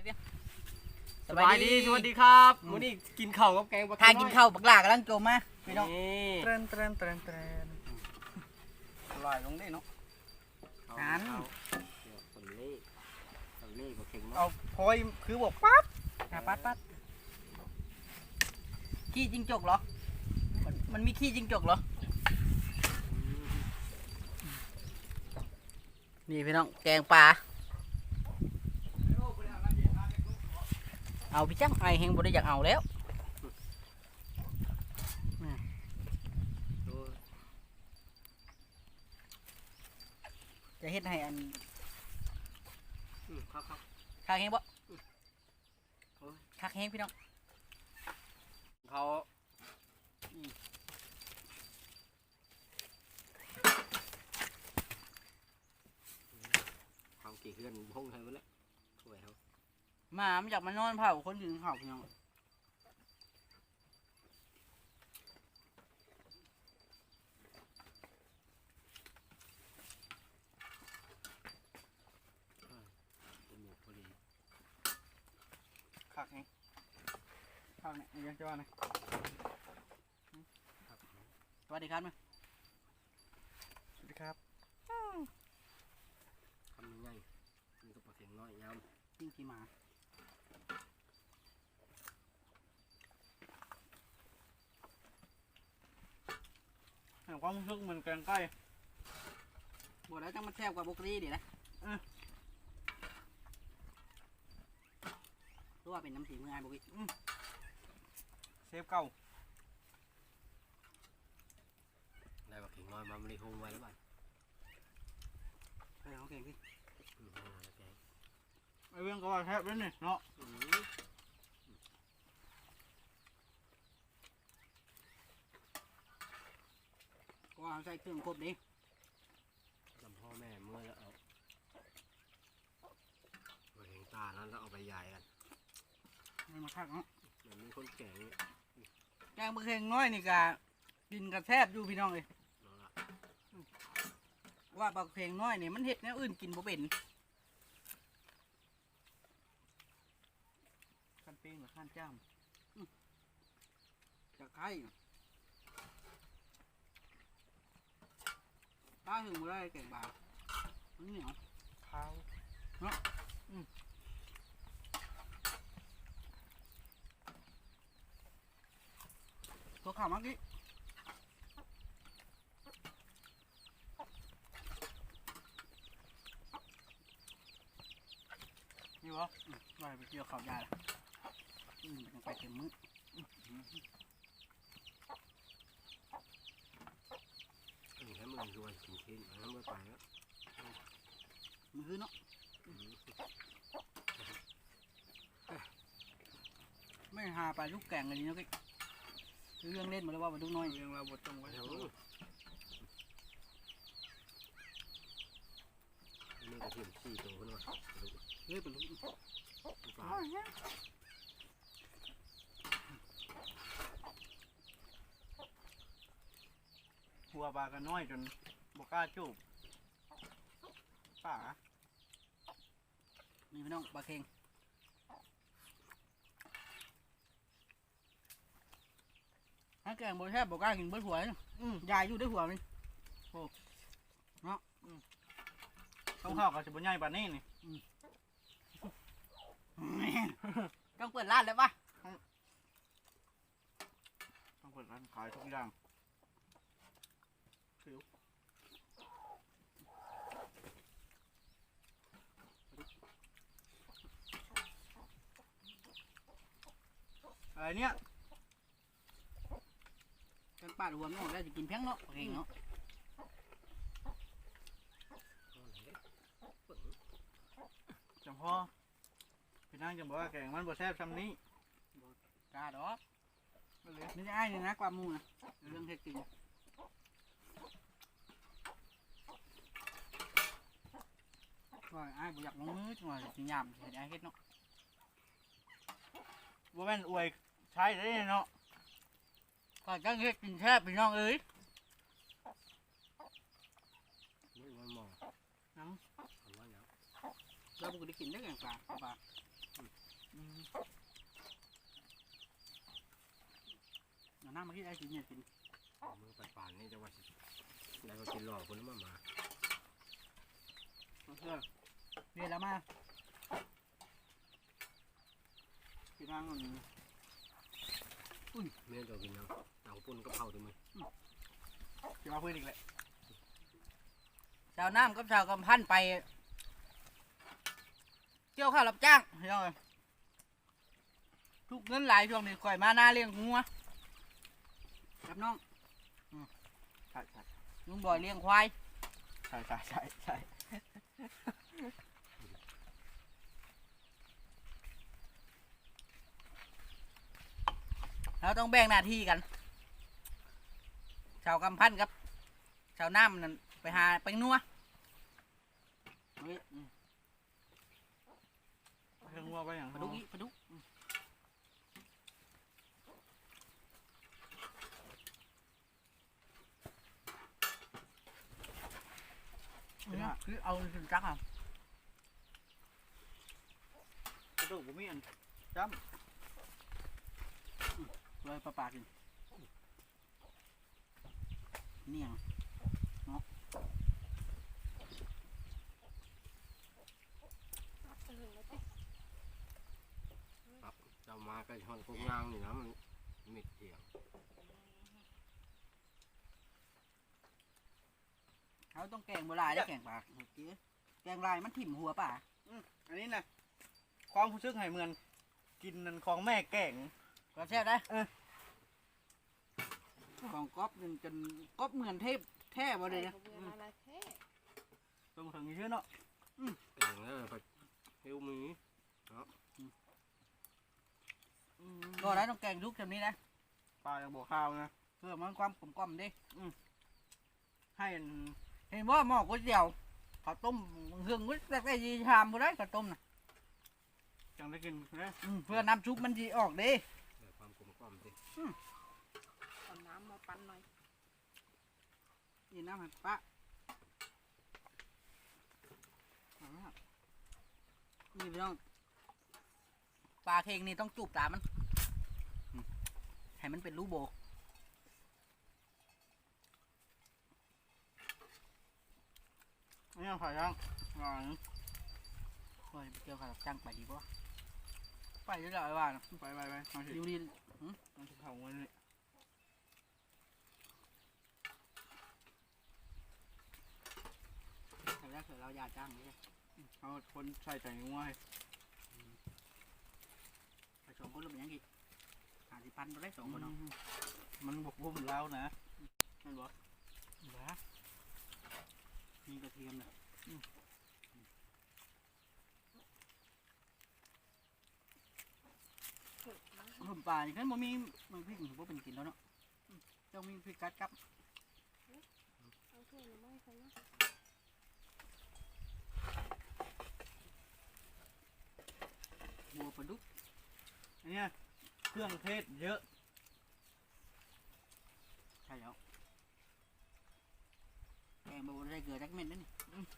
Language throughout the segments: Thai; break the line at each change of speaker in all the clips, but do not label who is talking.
เดียว
สบายดีสวัสดีครับมื้อนี้กินข้าวกับแกงปลา
ทางกินข้าวบักหลากำลังโจมมาพี่น้อง
นี่
เตรนลอยลงได้เนาะ
หัน
สำเล่บ่เข่ง
เอา
เนาะ
พอยคือบอกปั๊บ
ปัดขี้จิงจกเหรอมันมีขี้จิงจกเหรอนี่พี่น้องแกงปลาเอาพี่จังไอแหงบ่ได้อยากเอาแล้วจะเฮ็ดให้อัน
ครับ
คักแหงบ่คักแหงพี่น้อง
เขาเขากี่เฮือนพงไทยหมดแล้วถ้วยเขา
หมามันอยากมานอนเผาคนยืนเผาพี่น้อง
จมูกพอดี
ขักไงขักเนี่ยยังจะว่าไง
สวัสดีครับแม่
สวัสดีครับ
ทำยังไงนี่ก็ปลาเข่งน้อยย
จิ้งกี่หมา
เห็นความรู้สึกเหมือนแกงไก่
บอกแล้วจังมันแซ่บกว่าบุกรีดินะรู้ว่าเป็นน้ำสีมือไอ้บุกรี
เซฟเก่า
ำได้ปลาเข่งน้อยมาไม่ได้หงไว้แล้วบ้าน
เฮ้ยเขาเก่งพี่
แกง
ไอ้เรื่องก็ว่าแทบเลยนี่เนาะ
ก็เอาใส่เครื่องครบดิ
จำพ่อแม่เมื่อแล้วเอาปลาเข่งตานั้นแล้วเอาไปใหญ่กัน
มันมาคักเนาะ
เหมือนมีคนแก่ง
แกงบุกเฮงน้อยนี่กะกินกระแทบอยู่พี่น้องเลย
นั่นละ
ว่าบุกเฮงน้อยนี่มันเห็ดแนวอื่นกินบ่เป็น
ขั้นปิ้งหรือขั้นจ้าม
จะไข่ป้าถึงบ่ได้แกงบามันเหนียว
ข้าว
ตัวข่าวมักดินี่วะว่าไปเกี่ยวข้าวยาละยังไปเต็มมือ
ให้มึงรวยกินเค้กแล้วเมื่อไปแล้ว
มือเนาะไม่หาปลาลูกแกงอะไรนี่เนาะกิ๊กเรื่องเล่นหมดแล้วว่าปลาลูกน้อย
เรื่องเราบดตรงไว้
เดี๋ยวนี่กระเทียมขี้ตัวขึ้นมา
เฮ้ยปลาลูก
ปลา
หัวปลากันน้อยจนบกล้าจูบป่า
นี่พี่น้องปลาเค็งถ้าแกงบนแทบบอกกล้ากินเบิดหัวเลยยายอยู่ด้วยหัวมัน
ต้องเข้ากับสิบุญใหญ่ป่านนี้นี่
ต้องเปิดร้านแล้วปะ
ต้องเปิดร้านขายทุกอย่างอะไรเนี่ย
กันปาดหัวมันออกแล้วจะกินแพงเนาะปลาเค็งเนาะ
จังพ่อพี่นางจะบอกว่าแกงมันบ่แซ่บซ้ำนี้
กล้าดอกไม่ใช่ไอ้เนี่ยนะความมูนะเรื่องเท็จจริงว่าไอ้บ่อยากลงมือจังหวะสิยามเห็นไอ้เฮ็ดเนาะ
ว่าแม่นอวยใช้ได้เนาะ
ก็จังเฮ็ดกินแทบพี่น้องเอ้ย
ไม่วันมอง
น้
ทำว่าอย่าง
เราบ่ได้กินได้แกงปลาเมื่อกี้ไอ้กินเนี่ยกิน
มือป่านๆนี่จะว่าสิได้มากินหลอกคนนั้นมา
เพื่อเรียนแล้วมากินนั่งก่อน
เมียจะกินยังเต่าปุ่นกับเผาด้วยมั้ย
จะมาพูดอีกเลย
ชาวน้ำกับชาวกำพันไปเกี่ยวข้าวรับจ้างเฮ้ยทุกเงินหลายช่วงนี้ก่อยมาหน้าเลี้ยงงัวกับน้อง
ใช่ใช่
ลุงบ่อยเลี้ยงควาย
ใช่ใช่ใช่ใช่
เราต้องแบ่งหน้าที่กันชาวกำพันกับชาวน้ำนั่นไปหาไปนัวเฮ้ย
เพิ่งว่าไปอย่าง
ปลาดุกอีปลาดุกคือเอาถึงจักอ่ะ
กระดูกผมมีอัน
เลยปลาปลากินเนี่ย
เจ้ามาใกล้ช่อนโคกงางนี่นะมันมิดเถียง
เขาต้องแกงโบราณได้แกงปลาเมื่อกี้แกงลายมันถิ่มหัวป่า
อันนี้นะความผู้ชึกให้เหมือนกินนันของแม่แก่ง
ก็แซ่บได้ของก๊อฟจนก๊อฟเหมือนเทพแท้บ่เลยนะ
ตรงถึงนี้ชื่อเนาะ
เก่งแล้วไปเฮลมี
ก็ได้ต้องแกงทุกแบบนี้นะ
ปลาอย่างบวข้าวนะ
เพื่อมันความกลมๆดิ
ให้อัน
เห็นว่าหม้อก๋วยเตี๋ยวข้าวต้มเครื่องกุ้ยแต่ยีชามบ่ได้ข้าวต้มนะ
จังได้กินนะ
เพื่อน้ำซุปมันดีออกดิ
แต่ความกลมกล่อมสิ
เอาน้ำมาปั้นหน่อย
นี่น้ำมันปะนี่พี่น้องปลาเค็งนี่ต้องจูบตามันให้มันเป็นรูโบ
อันนี้ผ่าย่างหน่อย
เฮ้ยเกี่ยวกับจ้างไปดีป่ะไปด้วยเหรอไอ้บ้าน
ไปมาสิ
อยู่ดี
มาสิเผาเงินนี่
แต่แรกเกิดเราอยากจ้างนี่
เอาคนใส่ใจงัวให้
ไปสองคนเราเป็นยังไง50,000เราได้2คนเนาะ
มันบกบุ่มแล้วนะมันบอก
บ้ามีกระเทียมเลยผมป่าอย่างนั้นบ่มีมันพริกบ่เป็นกินแล้วเนาะเจ้ามีพริกกัดกับ
เอาถ้วยหรือไม่ใช่นะ
บัวปลาดุก
อันนี้เครื่องเทศเยอะ
ใช่แล้วแกงบัวได้เกลือจักเม็ดนั่นนี่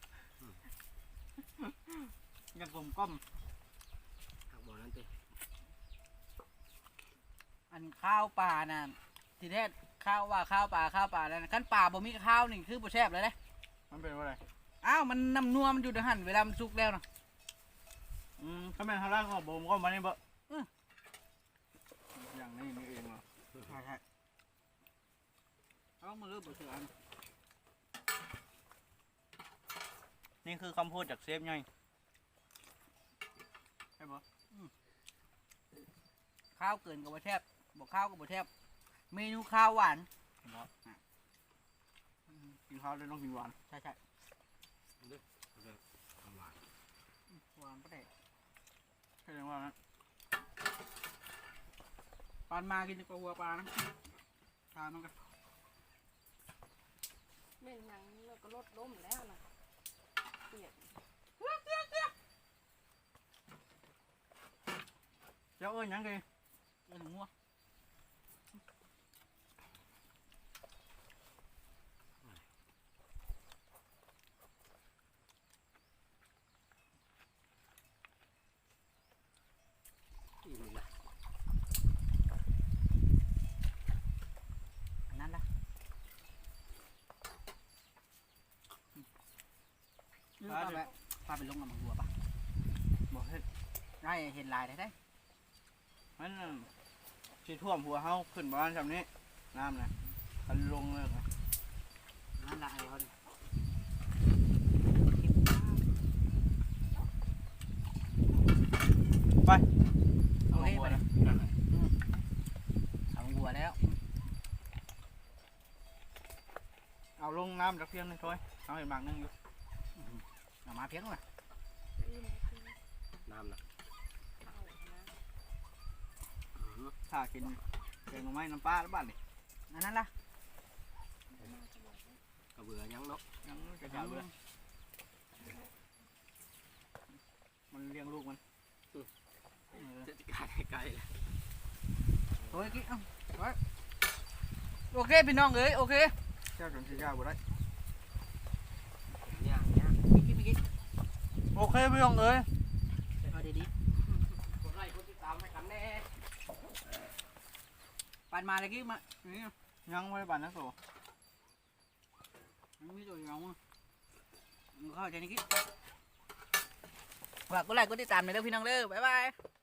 ยังกลมกล่อม
หักบ่อนั้นติ
อันข้าวปลาน่ะทีแรกข้าวว่าข้าวปลาแล้วนะขั้นปลาบ่มีข้าวนี่คือบ่แซ่บเลยนะ
มันเป็นว่าอะไร
อ้าวมันน้ำนัวมันอยู่ในหั่นเวลามันสุกแล้วนะ
ถ้าแม่นทางล่างก็บ่มก็มานี่บ่อย่างนี้นี่เองเหรอ
ใช่เอามาเริ่มบ่เสืออัน
นี่คือคำพูดจากเซฟไงใช่ปะ
ข้าวเกินกับบ่แซ่บบ่ข้าวกับบ่แซ่บเมนูข้าวหวาน
กินข้าวเลยต้องกินหวาน
ใช่
ทำหวาน
หวานก็ได้
ใช่ยังว่านะ
ปานมากินกับหัวปลานะทานมันกัน
เม่นหยังเราก็ลดล้มแล้วนะเปียก
เจ้าเอ้ยยังไง
เออหนูงัว
อิ่มเลย
ไปลงกับมังบัวปะ
บ่เฮ็ด
ได้เห็นลายได้
มันสิท่วมหัวเฮาขึ้นบ้านซำนี้น้ำนะคันลงเลยนะ
นั่นละไอ้เขาดิโอเคไปเลยเอามังบัวแล้ว
เอาลงน้ำจักเพียงหนึงถ้วยเอาให้หมากหนึงอยู่
เอามาเพียงเลย
อิ่มแล้วคือ
น้ำนะ
เข้านะ
ถ้ากินแกงหน่อไม้น้ำปลาแล้วบ้านนี่
อันนั้นล่ะ
กระเบือยังเนาะ
ยังจะจ่าเบื่อมันเลี้ยงลูกมันเออ
จะการไกลเลย
โอ้ยกิ๊กเอาไว้โอเคพี่น้องเอ้ยโอเค
เจ้าจนสิจ่าบ่ได้
ย่าง
ไม่กิ๊ก
โอเคพี่น้องเอ้ย
เอาดี
กดไลค์กดติดตามให้กันแน่
ๆปันมาเลยกิ๊กมานี่
ยังไม่ได้บานนักโต
มันมีตัวอย่างมั้งมึงเข้าใจนี่กิ๊กฝากกดไลค์กดติดตามหน่อยเด้อพี่น้องเด้อบ๊ายบาย